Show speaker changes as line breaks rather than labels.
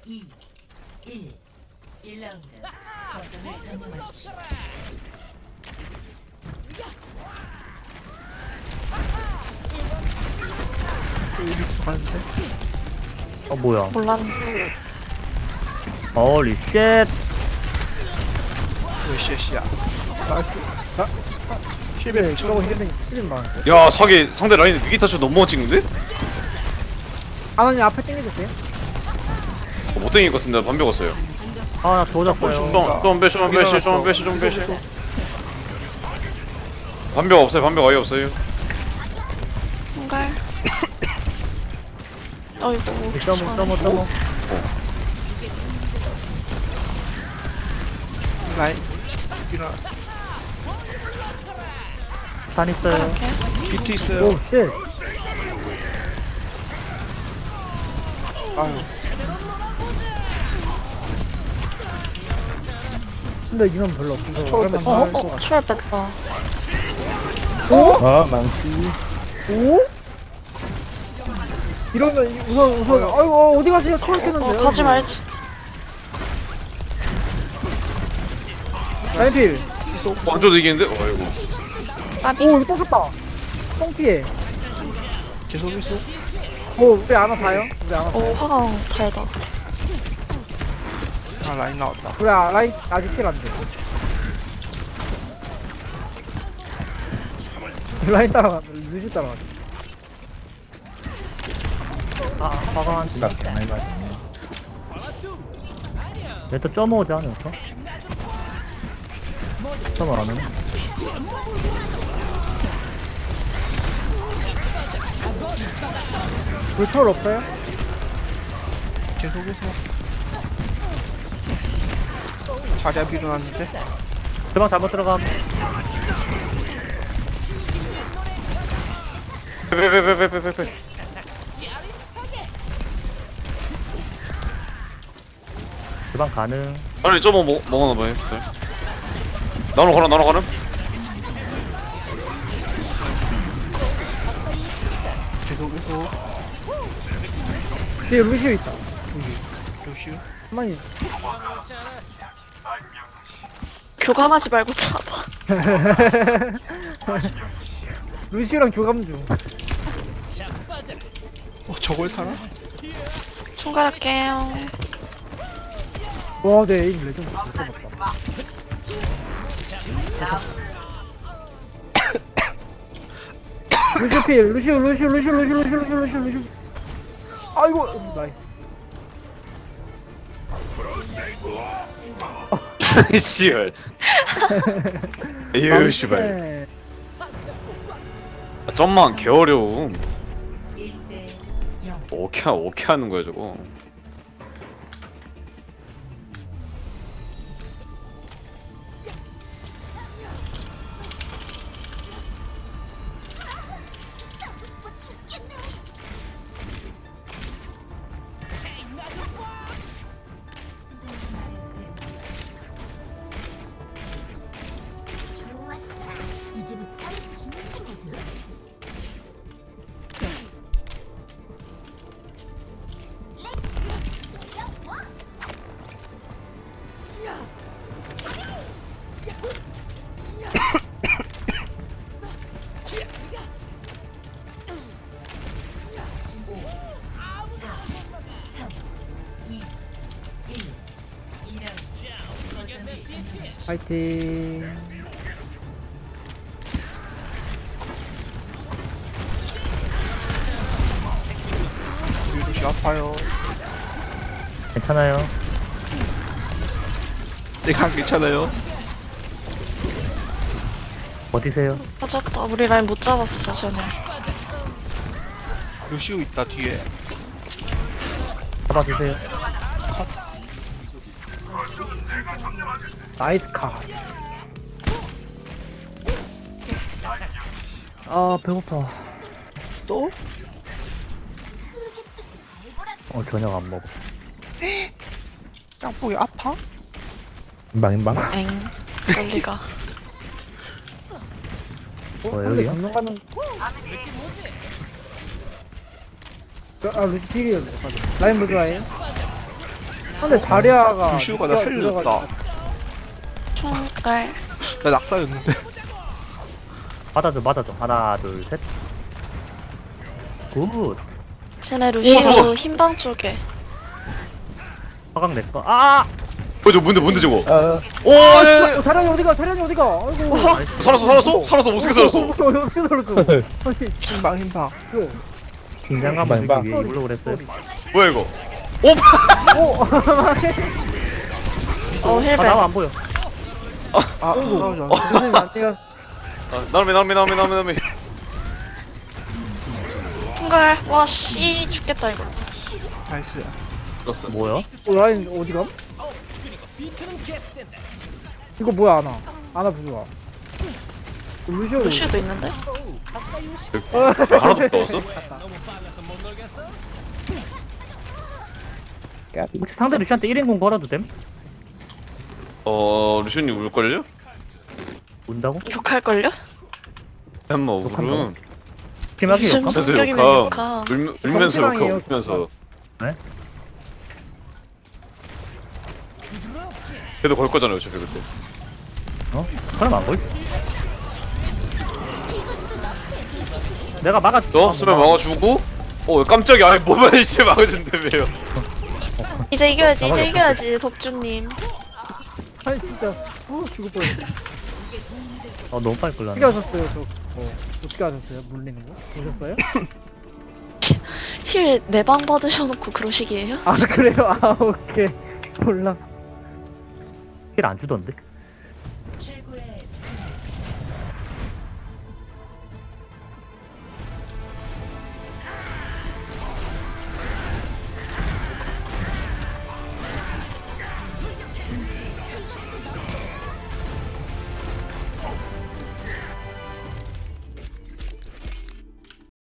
2, 1. 1라운드. 거점을 점령하십시오.
뭐야.
몰랐는데.
홀리 쉣.
왜 쉣이야? 힐벨 저거 힐벨 힐벨만.
야 상대 라인 위기타치 너무 찍는데?
아나님 앞에 땡겨주세요.
못 땡길 것 같은데 반벽 왔어요.
아, 나 도졌어요.
좀 빼시 반벽 없어요. 반벽 아예 없어요.
뭔가. 어이구.
점어.
라인 일어나.
산 있어요.
이렇게.
비트 있어요.
쉣.
아유.
근데 이건 별로 없어서.
초월 뺐어.
초월 뺐다.
아, 망치.
오? 이러면 우선 아이고 어디 가세요? 초월 깼는데.
가지 말지.
라인필.
완전 이기는데? 아이고.
나비.
오 이거 떴다. 똥피해. 계속 있어. 오 우리 아나 사요? 우리 아나.
오, 화가 달다.
아 라인 나왔다. 우리 라인 아직 킬안 돼. 라인 따라가. 루시 따라가.
아, 화가 한 짝. 얘또 점오지 않을까? 점오 안 하네.
왜 초월 없어요? 계속해서. 자리야 빌어놨는데.
주방 잘못 들어감.
빼.
주방 가능.
아니 저거 먹어놔봐요. 나눠 가는.
계속해서. 뒤에 루시오 있다. 루시오? 가만히.
교감하지 말고 잡아.
루시오랑 교감 중. 저걸 타나?
총괄할게요.
와, 내 에임 레전드 못해봤다. 루시오 필, 루시오. 아이고, 나이스.
씨발. 에휴 씨발.
네.
점만 개 어려움.
1대 0.
오케이 하는 거야 저거.
파이팅. 루시 아파요.
괜찮아요.
내가 괜찮아요.
어디세요?
맞았다. 우리 라인 못 잡았어, 쟤네.
루시오 있다 뒤에.
잡아주세요.
나이스 카. 아 배고파. 또?
저녁 안 먹어.
짱뽕이 아파?
인방.
엥. 그럴 리가.
여기요?
건너 가는. 루시 필이었네. 라인 뭐 좋아해요? 근데 자리아가
루시오가 나 살려줬다.
총깔.
나 낙사였는데.
맞아줘. 하나, 둘, 셋. 굿.
쟤네 루시오
저거.
흰방 쪽에.
화강 내 거. 아!
저 뭔데 저거? 오,
사람이 어디가? 아이고.
살았어 어떻게 살았어?
어떻게 살았어? 아니,
흰방.
이거.
긴장감을 주기 위해 이걸로 그랬어요.
뭐야 이거? 오,
어
아,
힐벤.
나만 안 보여.
아, 싸우지 않아.
선생님 안티가
나름이.
총깔. 와 씨 죽겠다 이거.
나이스.
죽었어.
뭐야?
라인 어디가? 이거 뭐야 아나 부좋아. 루시오.
루시오도 있는데?
하나도 못 넣었어?
혹시 상대 루시한테 1인공 걸어도 됨?
루시님 울걸요?
운다고?
욕할걸요?
한마 울음.
심하게
무슨
욕함?
그래서
성격이면 욕함.
울면서
정치랑이에요,
울면서.
네?
그래도 걸 거잖아요 어차피 그때.
어? 그럼 안 걸지. 내가 막아.
너 수면 막아주고. 깜짝이야. 아니 뭐만 이제 막아준다며요.
이제 이겨야지 법주님.
아니 진짜 죽을 뻔했어.
너무 빨리 끌렸네.
어떻게 하셨어요 저? 어떻게 하셨어요? 물리는 거? 보셨어요?
힐 4방 받으셔놓고 그러시기에요?
아 그래요? 아 오케이 몰랐어.
힐 안 주던데?